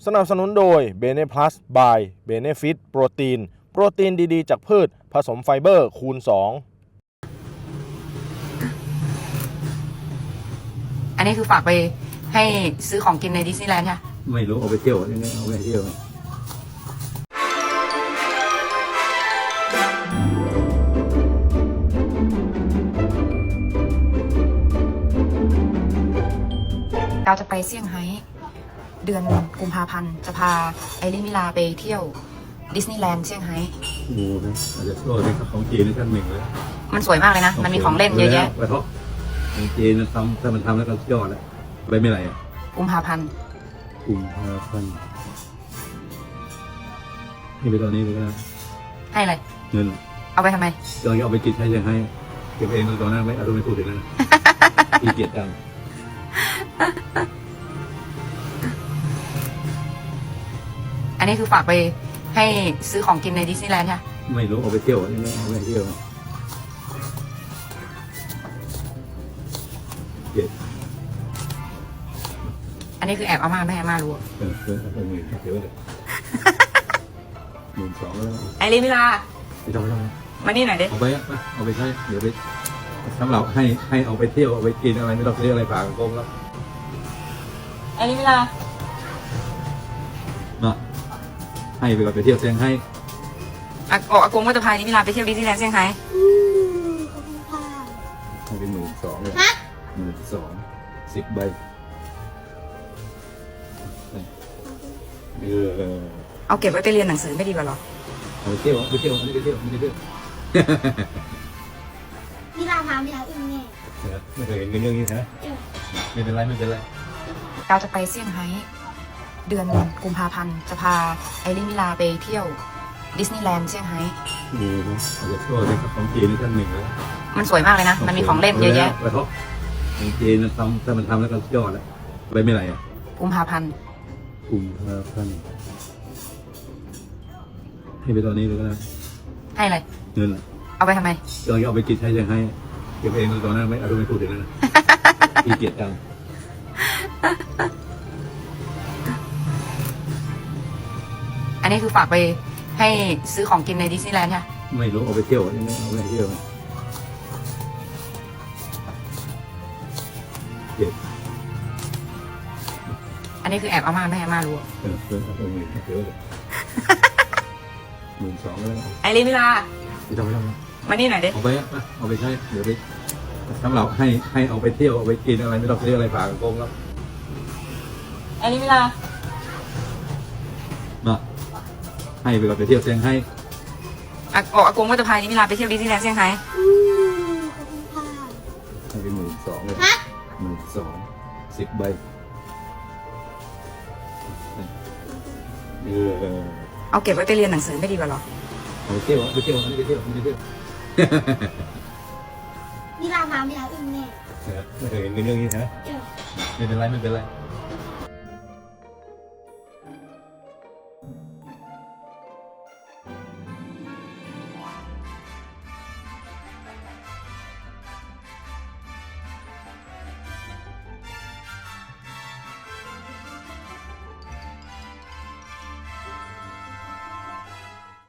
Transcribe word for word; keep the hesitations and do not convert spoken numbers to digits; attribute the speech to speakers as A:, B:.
A: สนับสนุนโดย Bene Plus by Benefit โปรตีนโปรตีนดีๆจากพืชผสมไฟเบอร์คูณสอง
B: อันนี้คือฝากไปให้ซื้อของกินในดิสนีย์แลนด์ใช่ไหม
C: ไม่รู้เอาไปเที่ยวยังไงเอาไปเที่ยว
B: เราจะไปเซี่ยงไฮ้เดือนกุมภาพันธ์จะพาไอริมิลาไปเที่ยวดิสนีย์แลนด์เซี่ยงไฮ้
C: โอ้โหอาจจะโลดเป็นของจีนในชั้นหนึ่งเลย
B: มันสวยมากเลยนะ มันมีของเล่นเยอะแยะ
C: ไปเพราะของจีนทำถ้ามันทำแล้วก็ยอดแล้วไปไม่ไรอ่ะ
B: กุมภาพันธ์
C: กุมภาพันธ์นี่ไปตอนนี้เลยนะ
B: ให้อะไร
C: เงิน
B: เอาไปทำไม
C: เราจะเอาไปกินใช้ยังให้เก็บเองตอนนั้นไม่เอาไม่พูดถึงนะขี้เกียจจัง
B: อันนี้คือฝากไปให้ซื้อของกินในดิสนีย์แลนด์ใช่ไหม
C: ไม่รู้เอาไปเที่ยวยังไงเอาไปเที่ยวเจ็ด
B: อันนี้คือแอบเอามาไม่ให้มารู้
C: เออเออเออหมื่นเดี๋ยวเลยหมื่นสองแล้ว
B: ไอริมิลา
C: ไม่ต้องไม่ต้อง
B: มานี่หน่อยดิ
C: เอาไปเอาไปใช้เดี๋ยวไปสำหรับให้ให้เอาไปเที่ยวเอาไปกินอะไรไม่ต้องซื้ออะไรฝากกงแล้ว
B: ไอริมิลา
C: เนาะให้ไปก่อนไปเที่ยวเซี่ยงไฮ้
B: อ่ะออกอากงว่าจะพานิมิลาไปเที่ยวดิสนีย์แลนด์เซี่ยงไฮ้
C: ให้เป็นหมื่นสองเลยหมื่นสองสิบใบเออ
B: เอาเก็บไว้ไปเรียนหนังสือไม่ดีกว่าหรอ
C: เอาไปเที่ยวไปเที่ยวไม่ไปเที่ยวไม่ไปเที่ยว
D: นี่ราคาไม่ได้อึ้งแน่
C: ไม่เคยเห็นเรื่องนี้นะไม่เป็นไรไม่เป็นไร
B: เราจะไปเซี่ยงไฮ้เดือนกุมภาพันธ์จะพาไอริมิลาไปเที่ยวดิสนีย์แลนด์เซี่ยงไฮ้
C: โอ้โหอาจจะโชว์เป็นของจีนในชั้นหนึ่งเลย
B: มันสวยมากเลยนะ มันมีของเล่นเยอะแยะ
C: ไปเพราะของจีนทำถ้ามันทำแล้วก็ยอดแล้วไปไม่ไรอ่ะ
B: กุมภาพันธ์
C: กุมภาพันธ์ให้ไปตอนนี้เลยก็ได้
B: ให้อะไร
C: เงิน
B: เอาไปทำไม
C: เราจะเอาไปกินใช้ยังให้เก็บเองตอนนั้นไม่เอาไม่พูดถึงนะขี้เกียจจัง
B: อันนี้คือฝากไปให้ซื้อของกินในดิสนีย์แลนด์ใช่ไหม
C: ไม่รู้เอาไปเที่ยวยังไงเอาไปเที่ยวเจ็ด
B: อันนี้คือแอบเอามาไม่ให้มารู้
C: เออเออเอาหมื่นเดี๋ยวเลยหมื่นสองแล้ว
B: ไอริมิลา
C: ไม่ต้องไม่ต้อง
B: มานี่หน่อยดิ
C: เอาไปเอาไปใช้เดี๋ยวไปสำหรับให้ให้เอาไปเที่ยวเอาไปกินอะไรไม่ต้องซื้ออะไรฝากกงแล้ว
B: ไอริมิลา
C: เนาะให้ไปก่อนไปเที่ยวเซี่ยงไฮ้
B: อ่ะออกอากงว่าจะพานิมิลาไปเที่ยวดิสนีย์แลนด์เซี่ยงไฮ้
C: ให้เป็นหมื่นสองเลยหมื่นสองสิบใบเออ
B: เอาเก็บไว้ไปเรียนหนังสือไม่ดีกว่าหรอ
C: เอาไปเที่ยวไปเที่ยวไปเที่ยวไปเที่ยว
D: นี่ราคาไม่ได้อึ้งแน่
C: ไม่เคยเห็นเรื่องนี้นะไม่เป็นไรไม่เป็นไร